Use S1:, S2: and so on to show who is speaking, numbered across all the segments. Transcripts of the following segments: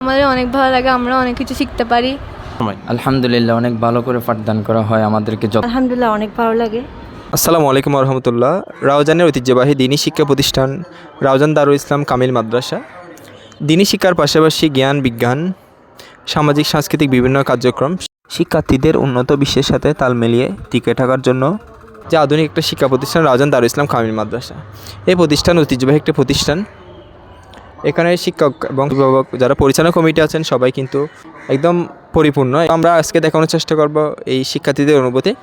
S1: আমাদের অনেক ভালো লাগে, আমরা অনেক কিছু শিখতে পারি।
S2: আলহামদুলিল্লাহ, অনেক ভালো করে পাঠদান করা হয় আমাদেরকে।
S1: আলহামদুলিল্লাহ, অনেক ভালো লাগে।
S3: আসসালামু আলাইকুম রহমতুল্লাহ। রাউজানের ঐতিহ্যবাহী দিনী শিক্ষা প্রতিষ্ঠান রাউজান দারুল ইসলাম কামিল মাদ্রাসা দিনী শিক্ষার পাশাপাশি জ্ঞান বিজ্ঞান সামাজিক সাংস্কৃতিক বিভিন্ন কার্যক্রম শিক্ষার্থীদের উন্নত বিশ্বের সাথে তাল মিলিয়ে টিকে থাকার জন্য যে আধুনিক একটা শিক্ষা প্রতিষ্ঠান রাউজান দারুল ইসলাম কামিল মাদ্রাসা। এই প্রতিষ্ঠান ঐতিহ্যবাহী একটি প্রতিষ্ঠান। এখানে শিক্ষক এবং অভিভাবক যারা পরিচালনা কমিটি আছেন সবাই কিন্তু একদম পরিপূর্ণ। আমরা আজকে দেখানোর চেষ্টা করব এই শিক্ষার্থীদের অনুভূতি,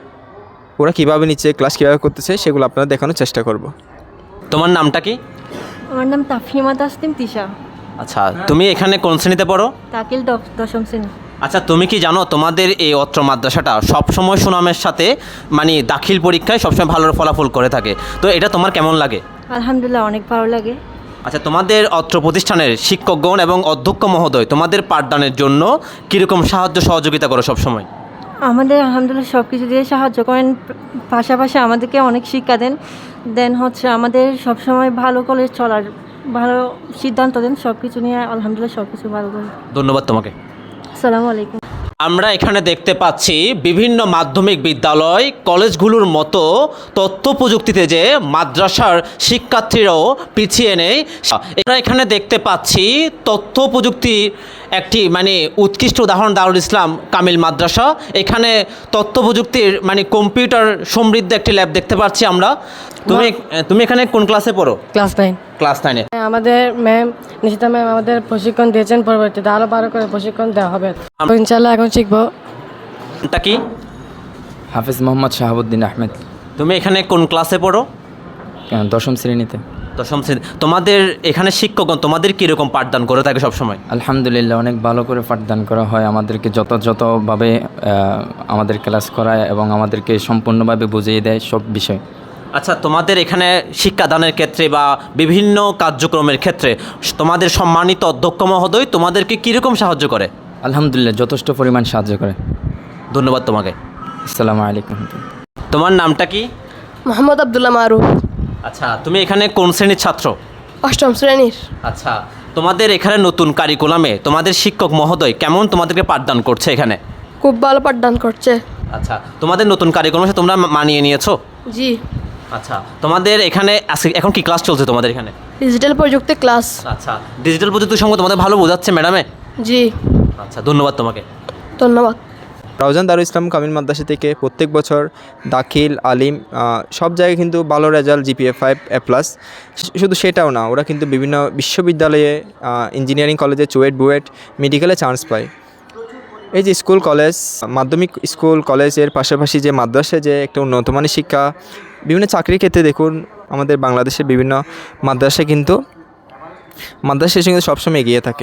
S3: ওরা কীভাবে নিচ্ছে, ক্লাস কীভাবে করতেছে, সেগুলো আপনারা দেখানোর চেষ্টা করব।
S4: তোমার নামটা কি?
S1: আমার নাম তাফহিমা তাসলিম তিশা।
S4: আচ্ছা, তুমি এখানে কোন শ্রেণীতে পড়ো?
S1: তাকিল দশম শ্রেণী।
S4: আচ্ছা, তুমি কি জানো তোমাদের এই অত্র মাদ্রাসাটা সবসময় সুনামের সাথে মানে দাখিল পরীক্ষায় সবসময় ভালো ফলাফল করে থাকে, তো এটা তোমার কেমন লাগে?
S1: আলহামদুলিল্লাহ, অনেক ভালো লাগে।
S4: আচ্ছা, তোমাদের অত্র প্রতিষ্ঠানের শিক্ষকগণ এবং অধ্যক্ষ মহোদয় তোমাদের পাঠদানের জন্য কীরকম সাহায্য সহযোগিতা করো সবসময়?
S1: আমাদের আলহামদুলিল্লাহ সব কিছু দিয়ে সাহায্য করেন, পাশাপাশি আমাদেরকে অনেক শিক্ষা দেন হচ্ছে আমাদের সবসময় ভালো করে চলার ভালো সিদ্ধান্ত দেন, সব কিছু নিয়ে আলহামদুলিল্লাহ সব কিছু ভালো করে।
S4: ধন্যবাদ তোমাকে।
S1: আসসালামু আলাইকুম।
S4: আমরা এখানে দেখতে পাচ্ছি বিভিন্ন মাধ্যমিক বিদ্যালয় কলেজগুলোর মতো তথ্য প্রযুক্তিতে যে মাদ্রাসার শিক্ষার্থীরাও পিছিয়ে নেই। আমরা এখানে দেখতে পাচ্ছি তথ্য প্রযুক্তির একটি মানে উৎকৃষ্ট উদাহরণ দারুল ইসলাম কামিল মাদ্রাসা। এখানে তথ্য প্রযুক্তির মানে কম্পিউটার সমৃদ্ধ একটি ল্যাব দেখতে পাচ্ছি আমরা। তুমি এখানে কোন ক্লাসে পড়ো?
S5: ক্লাস 9।
S4: ক্লাস 9-এ।
S5: আমাদের ম্যাম নিশিতা ম্যাম আমাদের প্রশিক্ষণ দিয়েছেন, পরবর্তীতে আরও ভালো করে প্রশিক্ষণ দেওয়া হবে। ইনশাল্লাহ এখন শিখবো।
S4: এটা কি?
S2: হাফেজ মোহাম্মদ শাহাবুদ্দিন আহমেদ।
S4: তুমি এখানে কোন ক্লাসে পড়ো?
S2: দশম শ্রেণীতে।
S4: দশম শ্রেণী। তোমাদের এখানে শিক্ষকগণ তোমাদের কীরকম পাঠদান করে থাকে সবসময়?
S2: আলহামদুলিল্লাহ, অনেক ভালো করে পাঠদান করা হয় আমাদেরকে, যথাযথভাবে আমাদের ক্লাস করায় এবং আমাদেরকে সম্পূর্ণভাবে বুঝিয়ে দেয় সব বিষয়।
S4: আচ্ছা, তোমাদের এখানে শিক্ষাদানের ক্ষেত্রে বা বিভিন্ন কার্যক্রমের ক্ষেত্রে তোমাদের সম্মানিত অধ্যক্ষ মহোদয় তোমাদেরকে কীরকম সাহায্য করে?
S2: আলহামদুলিল্লাহ, যথেষ্ট পরিমাণ সাহায্য করে।
S4: ধন্যবাদ তোমাকে।
S2: আসসালামু আলাইকুম।
S4: তোমার নামটা কি?
S6: মোহাম্মদ আব্দুল্লাহ মারুফ।
S4: আচ্ছা, তুমি এখানে কোন শ্রেণীর ছাত্র?
S6: 8ম শ্রেণীর।
S4: আচ্ছা, তোমাদের এখানে নতুন কারিকুলামে তোমাদের শিক্ষক মহোদয় কেমন তোমাদেরকে পাঠদান করছে এখানে?
S6: খুব ভালো পাঠদান করছে।
S4: আচ্ছা, তোমাদের নতুন কারিকুলামের সাথে তোমরা মানিয়ে নিয়েছো?
S6: জি।
S4: আচ্ছা, তোমাদের এখানে এখন কি ক্লাস চলছে তোমাদের এখানে?
S6: ডিজিটাল প্রযুক্তি ক্লাস।
S4: আচ্ছা, ডিজিটাল প্রযুক্তির সঙ্গে তোমাদের ভালো বোঝাচ্ছে ম্যাডামে?
S6: জি।
S4: আচ্ছা, ধন্যবাদ তোমাকে।
S6: ধন্যবাদ।
S3: রাউজান দারুল ইসলাম কামিল মাদ্রাসা থেকে প্রত্যেক বছর দাখিল আলিম সব জায়গায় কিন্তু ভালো রেজাল্ট, GPA 5A+। শুধু সেটাও না, ওরা কিন্তু বিভিন্ন বিশ্ববিদ্যালয়ে ইঞ্জিনিয়ারিং কলেজে চুয়েট বুয়েট মেডিকেলে চান্স পায়। এই যে স্কুল কলেজ, মাধ্যমিক স্কুল কলেজের পাশাপাশি যে মাদ্রাসায় যে একটা উন্নতমানের শিক্ষা, বিভিন্ন চাকরির ক্ষেত্রে দেখুন আমাদের বাংলাদেশের বিভিন্ন মাদ্রাসা কিন্তু মাদ্রাসার সঙ্গে সবসময় এগিয়ে থাকে।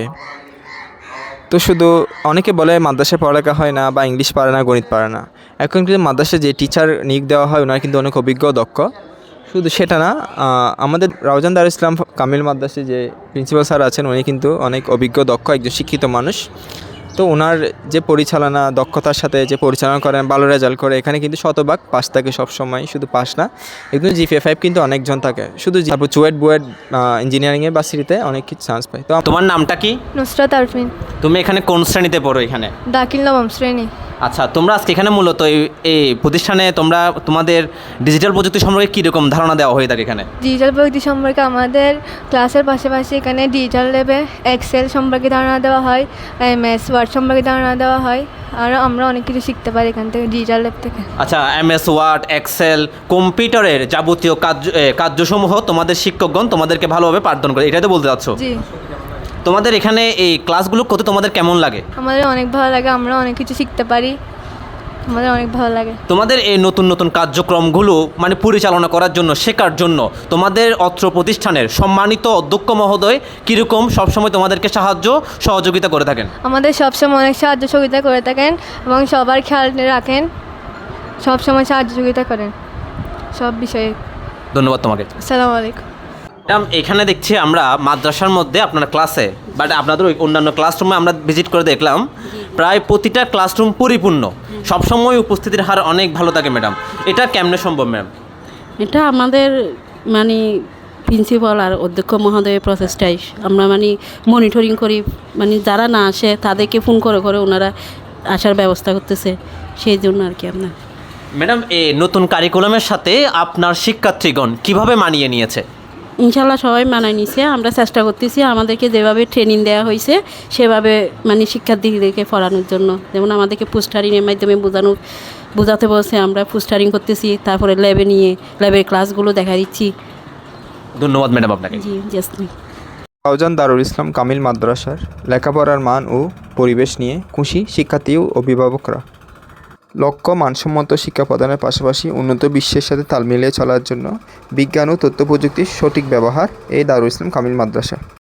S3: তো শুধু অনেকে বলে মাদ্রাসায় পড়ালেখা হয় না বা ইংলিশ পারে না, গণিত পারে না। এখন কিন্তু মাদ্রাসায় যে টিচার নিয়োগ দেওয়া হয় ওনারা কিন্তু অনেক অভিজ্ঞ দক্ষ। শুধু সেটা না, আমাদের রাউজান দারুল ইসলাম কামিল মাদ্রাসায় যে প্রিন্সিপাল স্যার আছেন উনি কিন্তু অনেক অভিজ্ঞ দক্ষ একজন শিক্ষিত মানুষ। তো ওনার যে পরিচালনা দক্ষতার সাথে যে পরিচালনা করেন, ভালো রেজাল্ট করে, এখানে কিন্তু শতভাগ পাস থাকে সবসময়। শুধু পাস না, একদম GPA 5 কিন্তু অনেকজন থাকে। শুধু তারপর চুয়েট বুয়েট ইঞ্জিনিয়ারিংয়ের ভার্সিটিতে অনেক কিছু চান্স পায়। তো
S4: তোমার নামটা কি?
S1: নুসরাত আরফিন।
S4: তুমি এখানে কোন শ্রেণীতে পড়ো এখানে?
S1: দাখিল নবম শ্রেণী।
S4: আচ্ছা, তোমরা আজকে এখানে মূলত এই প্রতিষ্ঠানে তোমাদের ডিজিটাল প্রযুক্তি সম্পর্কে কীরকম ধারণা দেওয়া হয়ে থাকে এখানে?
S1: ডিজিটাল প্রযুক্তি সম্পর্কে আমাদের ক্লাসের পাশাপাশি এখানে ডিজিটাল ল্যাবে এক্সেল সম্পর্কে ধারণা দেওয়া হয়, MS ওয়ার্ড সম্পর্কে ধারণা দেওয়া হয়, আর আমরা অনেক কিছু শিখতে পারি এখান থেকে, ডিজিটাল ল্যাব থেকে।
S4: আচ্ছা, MS ওয়ার্ড, এক্সেল, কম্পিউটারের যাবতীয় কার্যসমূহ তোমাদের শিক্ষকগণ তোমাদেরকে ভালোভাবে পাঠদান করে, এটাই তো বলতে চাচ্ছ?
S1: জি।
S4: তোমাদের এখানে এই ক্লাসগুলো করতে তোমাদের কেমন লাগে?
S1: আমাদের অনেক ভালো লাগে, আমরা অনেক কিছু শিখতে পারি, আমাদের অনেক ভালো লাগে।
S4: তোমাদের এই নতুন নতুন কার্যক্রমগুলো মানে পরিচালনা করার জন্য, শেখার জন্য তোমাদের অত্র প্রতিষ্ঠানের সম্মানিত অধ্যক্ষ মহোদয় কীরকম সবসময় তোমাদেরকে সাহায্য সহযোগিতা করে থাকেন?
S1: আমাদের সবসময় অনেক সাহায্য সহযোগিতা করে থাকেন এবং সবার খেয়াল রাখেন, সবসময় সাহায্য সহযোগিতা করেন সব বিষয়ে।
S4: ধন্যবাদ তোমাকে।
S1: আসসালামু আলাইকুম।
S4: ম্যাডাম, এখানে দেখছি আমরা মাদ্রাসার মধ্যে আপনার ক্লাসে বাট আপনাদের ওই অন্যান্য ক্লাসরুমে আমরা ভিজিট করে দেখলাম প্রায় প্রতিটা ক্লাসরুম পরিপূর্ণ, সবসময় উপস্থিতির হার অনেক ভালো থাকে ম্যাডাম। এটা কেমনে সম্ভব ম্যাম?
S7: এটা আমাদের মানে প্রিন্সিপাল আর অধ্যক্ষ মহোদয়ের প্রচেষ্টায় আমরা মানে মনিটরিং করি, মানে যারা না আসে তাদেরকে ফোন করে করে ওনারা আসার ব্যবস্থা করতেছে, সেই জন্য আর কি আপনার।
S4: ম্যাডাম, এই নতুন কারিকুলামের সাথে আপনার শিক্ষার্থীগণ কিভাবে মানিয়ে নিয়েছে?
S7: ইনশাল্লাহ সবাই মানায় নিছে। আমরা চেষ্টা করতেছি আমাদেরকে যেভাবে ট্রেনিং দেওয়া হয়েছে সেভাবে মানে শিক্ষার্থীদেরকে পড়ানোর জন্য। যেমন আমাদেরকে পোস্টারিংয়ের মাধ্যমে বোঝাতে বলছে, আমরা পোস্টারিং করতেছি, তারপরে ল্যাবে নিয়ে ল্যাবের ক্লাসগুলো দেখা দিচ্ছি।
S4: ধন্যবাদ ম্যাডাম আপনাকে।
S7: জি জাস্ট।
S3: শাহজাহান দারুল ইসলাম কামিল মাদ্রাসার লেখাপড়ার মান ও পরিবেশ নিয়ে খুশি শিক্ষার্থী ও অভিভাবকরা। লক্ষ্য মানসম্মত শিক্ষা প্রদানের পাশাপাশি উন্নত বিশ্বের সাথে তাল মিলিয়ে চলার জন্য বিজ্ঞান ও তথ্য প্রযুক্তির সঠিক ব্যবহার এই দারুল ইসলাম কামিল মাদ্রাসা।